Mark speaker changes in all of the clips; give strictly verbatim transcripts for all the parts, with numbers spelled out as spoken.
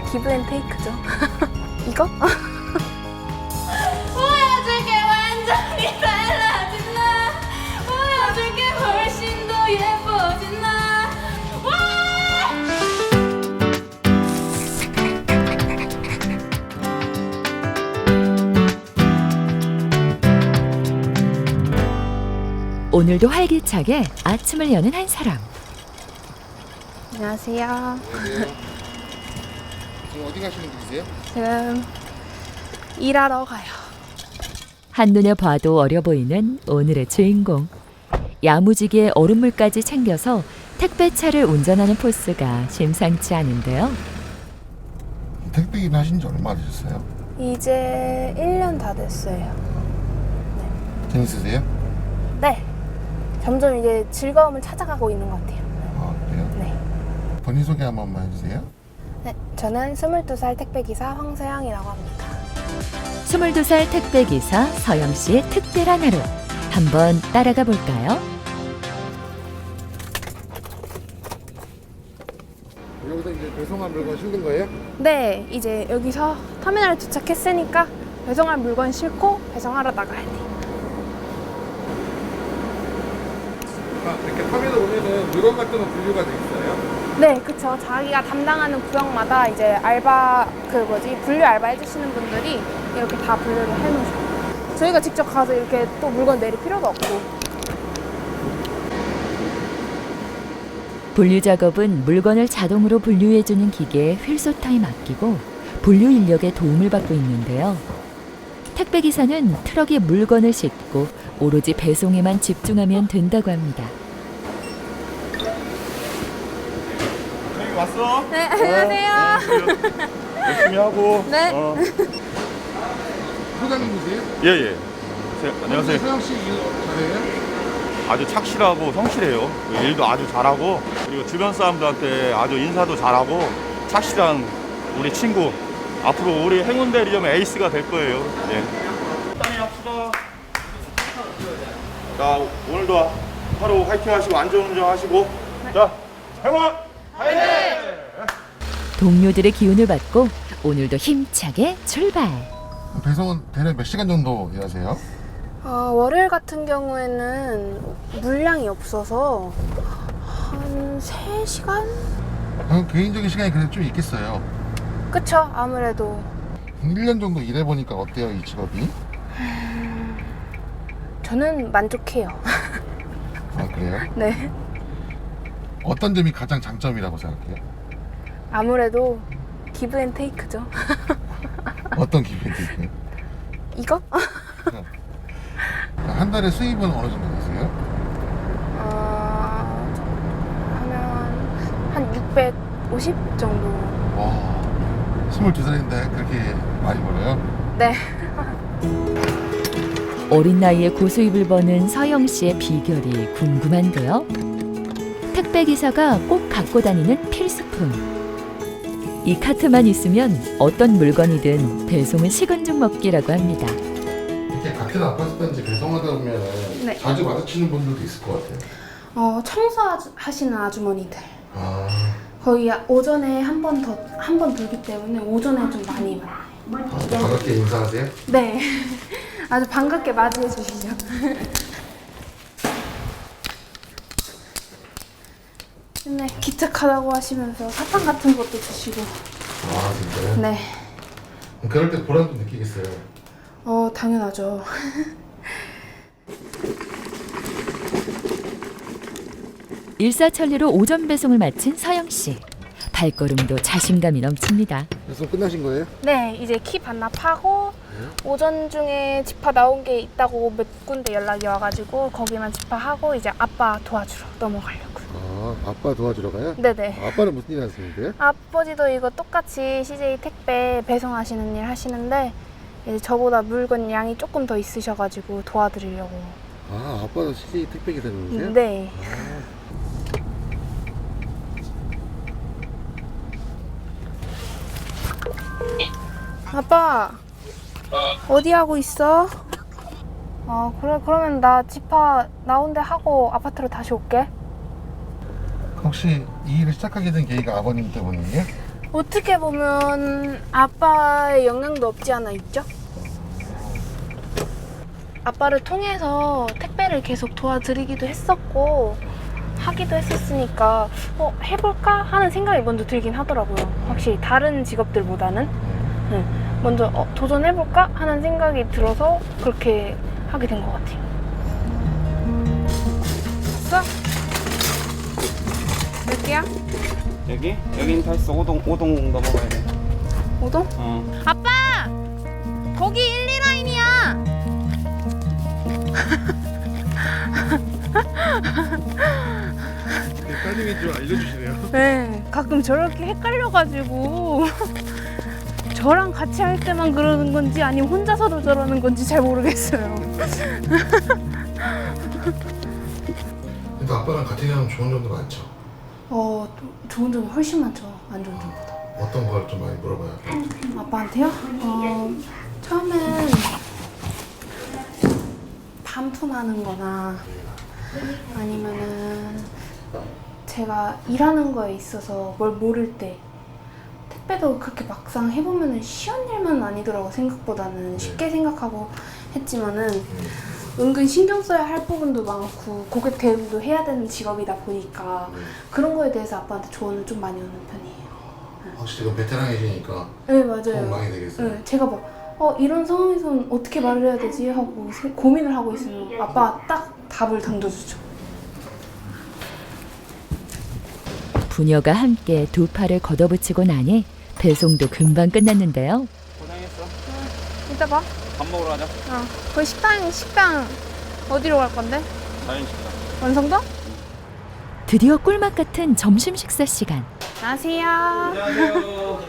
Speaker 1: 기브앤테이크죠. 이거?
Speaker 2: 보여줄게 완전히 달라진 나, 보여줄게 훨씬 더 예뻐진 나. 와!
Speaker 3: 오늘도 활기차게 아침을 여는 한 사람.
Speaker 1: 안녕하세요.
Speaker 4: 지금 어디 가시는 길이세요?
Speaker 1: 지금 일하러 가요.
Speaker 3: 한눈에 봐도 어려 보이는 오늘의 주인공. 야무지게 얼음물까지 챙겨서 택배차를 운전하는 포스가 심상치 않은데요.
Speaker 4: 택배 일 하신 지 얼마 되셨어요?
Speaker 1: 이제 일 년 다 됐어요.
Speaker 4: 재밌으세요?
Speaker 1: 네. 점점 이제 즐거움을 찾아가고 있는 것 같아요.
Speaker 4: 아 그래요?
Speaker 1: 네.
Speaker 4: 본인 소개 한 번만 해주세요.
Speaker 1: 네. 저는 스물두 살 택배기사 황서영이라고 합니다.
Speaker 3: 스물두 살 택배기사 서영 씨의 특별한 하루. 한번 따라가 볼까요?
Speaker 4: 여기서 이제 배송한 물건 실는 거예요?
Speaker 1: 네. 이제 여기서 터미널에 도착했으니까 배송할 물건 싣고 배송하러 나가야 돼요.
Speaker 4: 아, 이렇게 터미널 오면은 물건 같은 거 분류가 돼 있어요?
Speaker 1: 네, 그쵸. 자기가 담당하는 구역마다 이제 알바, 그 뭐지, 분류 알바 해주시는 분들이 이렇게 다 분류를 해놓으셔요. 저희가 직접 가서 이렇게 또 물건 내릴 필요도 없고.
Speaker 3: 분류 작업은 물건을 자동으로 분류해주는 기계에 휠소타에 맡기고 분류 인력의 도움을 받고 있는데요. 택배기사는 트럭에 물건을 싣고 오로지 배송에만 집중하면 된다고 합니다.
Speaker 5: 저기 왔어?
Speaker 1: 네, 안녕하세요.
Speaker 5: 어, 열심히 하고.
Speaker 1: 네.
Speaker 5: 어.
Speaker 4: 소장님이세요?
Speaker 5: 예예. 안녕하세요.
Speaker 4: 서영 씨 일 잘해요?
Speaker 5: 아주 착실하고 성실해요. 일도 아주 잘하고 그리고 주변 사람들한테 아주 인사도 잘하고 착실한 우리 친구. 앞으로 우리 행운대 리점 에이스가 될 거예요. 예. 땀이 합시다. 자 오늘도 하루 화이팅 하시고 안전운전 하시고. 자 행운!
Speaker 3: 동료들의 기운을 받고 오늘도 힘차게 출발.
Speaker 4: 배송은 대략 몇 시간 정도 일하세요?
Speaker 1: 어, 월요일 같은 경우에는 물량이 없어서 한 세 시간?
Speaker 4: 어, 개인적인 시간이 그래도 좀 있겠어요.
Speaker 1: 그쵸, 아무래도.
Speaker 4: 일 년 정도 일해보니까 어때요, 이 직업이?
Speaker 1: 저는 만족해요.
Speaker 4: 아 그래요?
Speaker 1: 네.
Speaker 4: 어떤 점이 가장 장점이라고 생각해요?
Speaker 1: 아무래도 기브앤테이크죠.
Speaker 4: 어떤 기분이세요?
Speaker 1: 이거?
Speaker 4: 한 달에 수입은 어느 정도 되세요?
Speaker 1: 어, 하면 한 육백오십 정도.
Speaker 4: 와, 스물두 살인데 그렇게 많이 벌어요?
Speaker 1: 네.
Speaker 3: 어린 나이에 고수입을 버는 서영 씨의 비결이 궁금한데요. 택배기사가 꼭 갖고 다니는 필수품. 이 카트만 있으면 어떤 물건이든 배송은 식은 죽 먹기라고 합니다.
Speaker 4: 이렇게 같은 아파트 단지 배송하다 보면
Speaker 1: 네.
Speaker 4: 자주 마주치는 분들도 있을 것 같아요.
Speaker 1: 어, 청소하시는 아주머니들.
Speaker 4: 아,
Speaker 1: 거의 오전에 한 번 더, 한 번 돌기 때문에 오전에 좀 많이 와요.
Speaker 4: 아, 반갑게 인사하세요?
Speaker 1: 네. 아주 반갑게 맞이해 주시죠. 맨날 기특하다고 하시면서 사탕 같은 것도 주시고.
Speaker 4: 아, 진짜요?
Speaker 1: 네.
Speaker 4: 그럴 때 보람도 느끼겠어요.
Speaker 1: 어, 당연하죠.
Speaker 3: 일사천리로 오전 배송을 마친 서영 씨. 발걸음도 자신감이 넘칩니다.
Speaker 4: 배송 끝나신 거예요?
Speaker 1: 네, 이제 키 반납하고 오전 중에 집화 나온 게 있다고 몇 군데 연락이 와가지고 거기만 집화하고 이제 아빠 도와주러 넘어가려고요.
Speaker 4: 아, 아빠 도와주러 가요?
Speaker 1: 네네.
Speaker 4: 아빠는 무슨 일 하시는데요?
Speaker 1: 아버지도 이거 똑같이 씨제이 택배 배송하시는 일 하시는데 이제 저보다 물건 양이 조금 더 있으셔가지고 도와드리려고.
Speaker 4: 아, 아빠도 씨제이 택배 기사님이세요?
Speaker 1: 네. 아빠 어디 하고 있어? 어 그래 그러면 나 집화 나온데 하고 아파트로 다시 올게.
Speaker 4: 혹시 이 일을 시작하게 된 계기가 아버님 때문이에요?
Speaker 1: 어떻게 보면 아빠의 영향도 없지 않아 있죠? 아빠를 통해서 택배를 계속 도와드리기도 했었고 하기도 했었으니까 어, 해볼까 하는 생각이 먼저 들긴 하더라고요. 확실히 다른 직업들보다는 네. 먼저 어, 도전해볼까 하는 생각이 들어서 그렇게 하게 된 것 같아요. 왔어? 몇 개야?
Speaker 6: 여기? 여긴 다 있어. 오동, 오동 넘어가야 돼.
Speaker 1: 오동?
Speaker 6: 어.
Speaker 1: 아빠! 거기 일, 이 라인이야!
Speaker 4: 따님이 좀 알려주시네요.
Speaker 1: 네, 가끔 저렇게 헷갈려가지고 저랑 같이 할 때만 그러는 건지 아니면 혼자서도 저러는 건지 잘 모르겠어요.
Speaker 7: 근데 아빠랑 같이 하면 좋은 점도 많죠?
Speaker 1: 어, 좋은 점이 훨씬 많죠. 안 좋은 점보다.
Speaker 7: 어떤 걸 좀 많이 물어봐요?
Speaker 1: 아빠한테요? 어, 처음엔 반품하는 거나 아니면은 제가 일하는 거에 있어서 뭘 모를 때 택배도 그렇게 막상 해보면은 쉬운 일만 아니더라고. 생각보다는 쉽게 생각하고 했지만은 은근 신경 써야 할 부분도 많고 고객 대응도 해야 되는 직업이다 보니까 그런 거에 대해서 아빠한테 조언을 좀 많이 얻는 편이에요.
Speaker 7: 확실히 그 베테랑이시니까
Speaker 1: 네, 맞아요.
Speaker 7: 도움 많이 되겠어요.
Speaker 1: 네, 제가 막 어, 이런 상황에서는 어떻게 말을 해야 되지 하고 세- 고민을 하고 있으면 아빠 딱 답을 던져주죠.
Speaker 3: 부녀가 함께 두 팔을 걷어붙이고 나니 배송도 금방 끝났는데요.
Speaker 6: 고생했어.
Speaker 1: 이따 봐.
Speaker 6: 밥 먹으러 가자.
Speaker 1: 어, 그 식당 식당 어디로 갈 건데?
Speaker 6: 자연식당.
Speaker 1: 원성동?
Speaker 3: 드디어 꿀맛 같은 점심 식사 시간.
Speaker 1: 안녕하세요.
Speaker 6: 안녕하세요.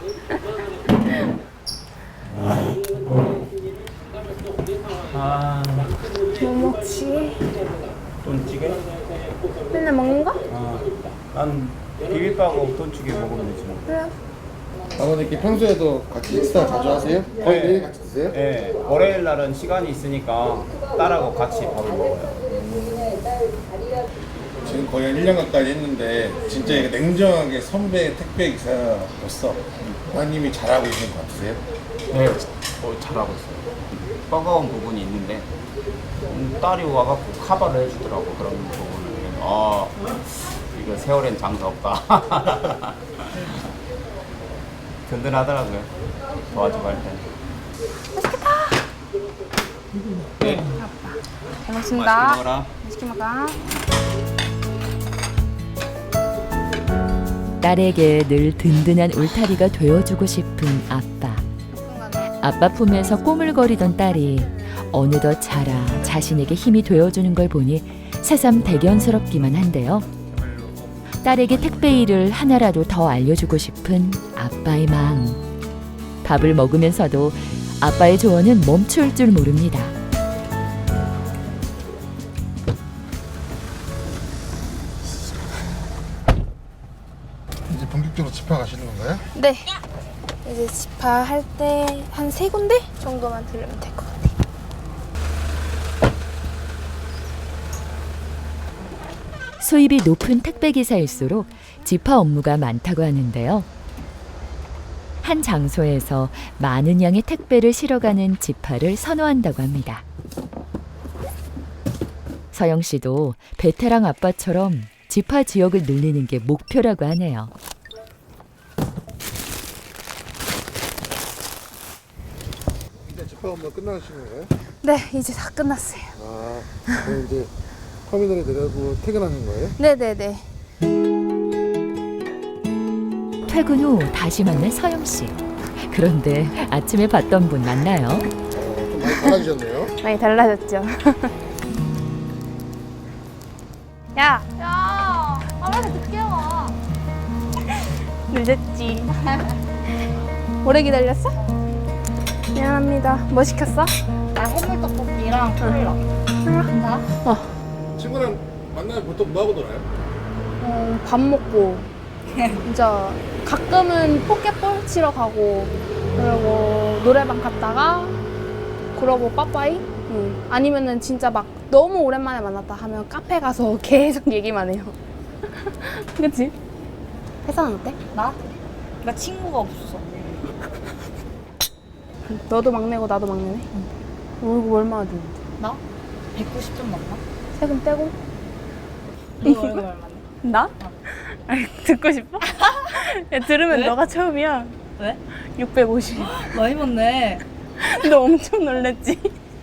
Speaker 6: 아,
Speaker 1: 뭐 먹지?
Speaker 6: 돈찌개?
Speaker 1: 맨날 먹는 거?
Speaker 6: 아, 난 비빔밥하고 돈찌개 먹으면 되지 뭐.
Speaker 1: 그래.
Speaker 7: 아버님께 평소에도 같이 식사 자주 하세요? 거의
Speaker 6: 네.
Speaker 7: 매일 같이 드세요?
Speaker 6: 네, 월요일 날은 시간이 있으니까 딸하고 같이 밥을 먹어요.
Speaker 4: 지금 거의 한 일 년 가까이 했는데 진짜 이게 냉정하게 선배 택배 기사로서 따님이 잘하고 있는 것 같으세요?
Speaker 6: 네, 어, 잘하고 있어요. 버거운 부분이 있는데 음, 딸이 와갖고 커버를 해주더라고. 그런 부분을. 아, 이거 세월엔 장사 없다. 든든하더라고요. 도와주고 할 때. 네,
Speaker 1: 잘
Speaker 6: 맛있게
Speaker 1: 먹습니다.
Speaker 6: 먹어라.
Speaker 1: 맛있게 먹어.
Speaker 3: 딸에게 늘 든든한 울타리가 되어주고 싶은 아빠. 아빠 품에서 꼬물거리던 딸이 어느덧 자라 자신에게 힘이 되어주는 걸 보니 새삼 대견스럽기만 한데요. 딸에게 택배 일을 하나라도 더 알려주고 싶은 아빠의 마음. 밥을 먹으면서도 아빠의 조언은 멈출 줄 모릅니다.
Speaker 7: 이제 본격적으로 집화 가시는 건가요?
Speaker 1: 네. 이제 집화할 때 한 세 군데 정도만 들으면 될 것 같아요.
Speaker 3: 수입이 높은 택배 기사일수록 집화 업무가 많다고 하는데요. 한 장소에서 많은 양의 택배를 실어가는 집화를 선호한다고 합니다. 서영 씨도 베테랑 아빠처럼 집화 지역을 늘리는 게 목표라고 하네요.
Speaker 7: 이제 집화 업무 끝나시는 거예요?
Speaker 1: 네, 이제 다 끝났어요.
Speaker 7: 아, 그럼 이제 터미널에 내려고 퇴근하는 거예요?
Speaker 1: 네네네.
Speaker 3: 퇴근 후 다시 만난 서영 씨. 그런데 아침에 봤던 분 맞나요?
Speaker 7: 어, 좀 많이 달라지셨네요.
Speaker 1: 많이 달라졌죠. 야! 야! 아, 왜 이렇게 늦게 와? 늦었지. 오래 기다렸어? 미안합니다. 뭐 시켰어?
Speaker 2: 나 해물떡볶이랑 콜라.
Speaker 1: 콜라? 어.
Speaker 4: 친구랑 만나면 보통 뭐 하고 놀아요?
Speaker 1: 어, 밥 먹고 진짜 가끔은 포켓볼 치러 가고 그리고 노래방 갔다가 그러고 빠빠이 응. 아니면은 진짜 막 너무 오랜만에 만났다 하면 카페 가서 계속 얘기만 해요. 그치? 회사는 어때?
Speaker 2: 나? 그러니까 친구가 없어.
Speaker 1: 너도 막내고 나도 막내네? 월급 얼마나 드는데?
Speaker 2: 나? 백구십 점 넘나?
Speaker 1: 세금 떼고?
Speaker 2: 너 월급 얼마네?
Speaker 1: 나? 아니, 듣고 싶어? 야, 들으면
Speaker 2: 왜?
Speaker 1: 너가 처음이야.
Speaker 2: 왜?
Speaker 1: 육백오십.
Speaker 2: 많이 받네.
Speaker 1: 너 엄청 놀랬지?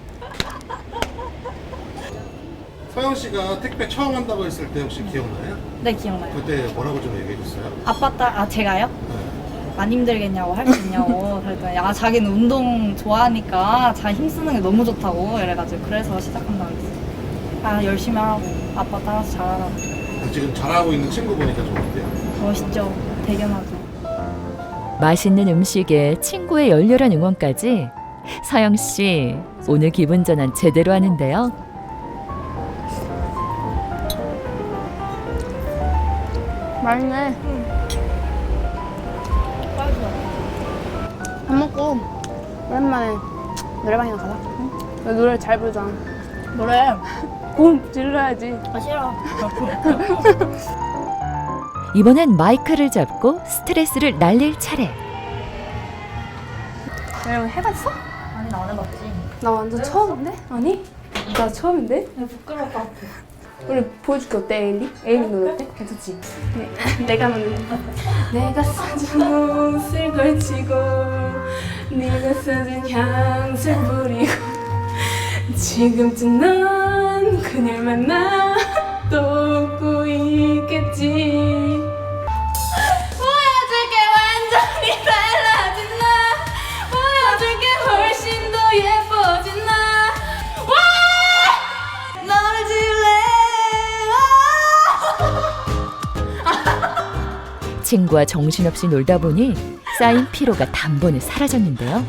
Speaker 7: 서영 씨가 택배 처음 한다고 했을 때 혹시 기억나요?
Speaker 2: 네, 기억나요.
Speaker 7: 그때 뭐라고 좀 얘기해 줬어요?
Speaker 2: 아빠 딸, 아, 제가요?
Speaker 7: 네.
Speaker 2: 안 힘들겠냐고, 할 수 있냐고. 그랬더니, 아, 자기는 운동 좋아하니까 자 힘쓰는 게 너무 좋다고. 이래가지고, 그래서 시작한다고 했어. 아, 열심히 하라고. 아빠 따라서 잘하라고.
Speaker 7: 지금 잘하고 있는 친구 보니까 좀 어때요?
Speaker 2: 멋있죠? 대견하죠?
Speaker 3: 맛있는 음식에 친구의 열렬한 응원까지 서영 씨 오늘 기분 전환 제대로 하는데요.
Speaker 1: 맛있네. 밥 먹고 오랜만에 노래방이나 가자. 응? 너 노래 잘 부르잖아.
Speaker 2: 노래.
Speaker 1: 고 질러야지.
Speaker 2: 아, 싫어.
Speaker 3: 이번엔 마이크를 잡고 스트레스를 날릴 차례.
Speaker 1: 여러분 해봤어?
Speaker 2: 아니, 나 안 해봤지.
Speaker 1: 나 완전 처음인데? 아니? 나 처음인데?
Speaker 2: 나 부끄러울 것 같아.
Speaker 1: 우리 보여줄게. 어때 에일리? 에일리 노래 어때? 괜찮지? 네. 내가 만든 내가 써준 옷을 걸치고 네가 써준 향수 뿌리고 지금쯤 넌 그녀를 만나 또 웃고 있겠지. 보여줄게 완전히 달라진 나 보여줄게 훨씬 더 예뻐진 나 와! 너를 지울래
Speaker 3: 친구와 정신없이 놀다 보니 쌓인 피로가 단번에 사라졌는데요.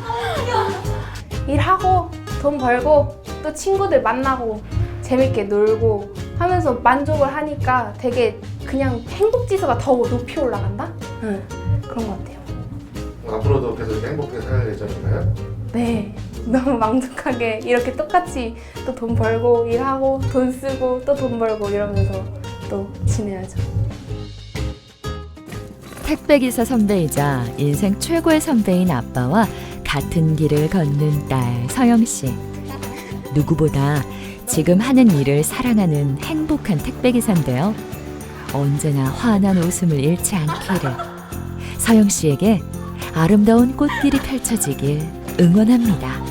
Speaker 1: 일하고 돈 벌고 또 친구들 만나고 재밌게 놀고 하면서 만족을 하니까 되게 그냥 행복지수가 더 높이 올라간다? 응, 그런 것 같아요.
Speaker 7: 앞으로도 계속 행복하게 살 예정인가요?
Speaker 1: 네, 너무 만족하게 이렇게 똑같이 또 돈 벌고 일하고 돈 쓰고 또 돈 벌고 이러면서 또 지내야죠.
Speaker 3: 택배기사 선배이자 인생 최고의 선배인 아빠와 같은 길을 걷는 딸 서영 씨. 누구보다 지금 하는 일을 사랑하는 행복한 택배기사인데요. 언제나 환한 웃음을 잃지 않기를. 서영 씨에게 아름다운 꽃길이 펼쳐지길 응원합니다.